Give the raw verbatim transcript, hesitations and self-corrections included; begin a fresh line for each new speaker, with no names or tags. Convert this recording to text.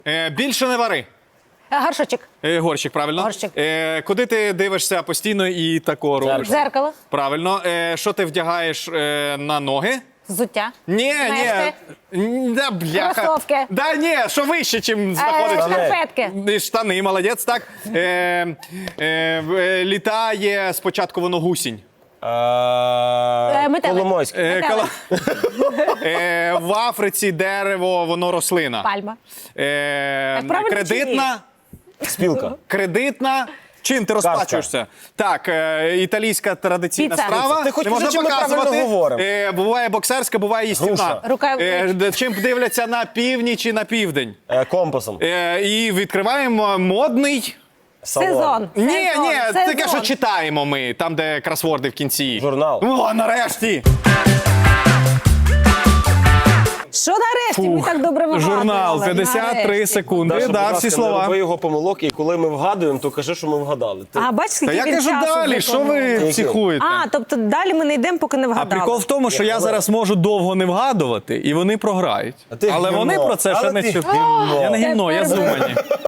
Е, більше не вари.
Горшочок.
Е, горщик, правильно.
Горщик.
Е, куди ти дивишся постійно і тако робиш?
Зеркало.
Правильно. Е, що ти вдягаєш е, на ноги?
Взуття.
Ні,
Мешти.
ні. Да, бляха.
Кросовки.
Да, ні, що вище, чим
Е,
знаходиться.
Шкарпетки.
І штани, молодець, так. Е, е, е, літає спочатку воно гусінь.
Е, метелик.
Коломойський.
Е,
Метелик.
кола- е, в Африці дерево, воно рослина.
Пальма.
Е,
Так правильно чи ні?
кредитна.
Спілка.
Кредитна. Чим ти розплачуєшся? Так, е, італійська традиційна
Піца.
страва.
Ти хоч
Не можна
кажи, чи ми правильно
показувати.
говоримо?
Е, буває боксерська, буває їстівна.
Груша.
Рука-
Е, де- чим дивляться на північ і на південь.
Е, компасом.
Е, і відкриваємо модний.
Салон.
Сезон.
Ні,
Сезон.
ні, таке, що
Сезон.
читаємо ми, там, де кросворди в кінці.
Журнал.
О, нарешті!
Що нарешті? Ми так добре вигадували.
Журнал, п'ятдесят три
Нарешті.
секунди,
Даша,
да,
будь ласка,
всі
не
слова.
роби його помилок, і коли ми вгадуємо, то кажи, що ми вгадали. Ти...
А, бачиш,
Та
скільки
я
він
кажу
часу
далі, що ви
виконував?
психуєте?
А, тобто далі ми не йдемо, поки не
А
вгадали.
прикол в тому, що я зараз можу довго не вгадувати, і вони програють.
А ти
Але
гівно.
вони про це ще
Але
не
ти
чують.
гівно.
Я не гімно, я
Тепер ви-
зумані.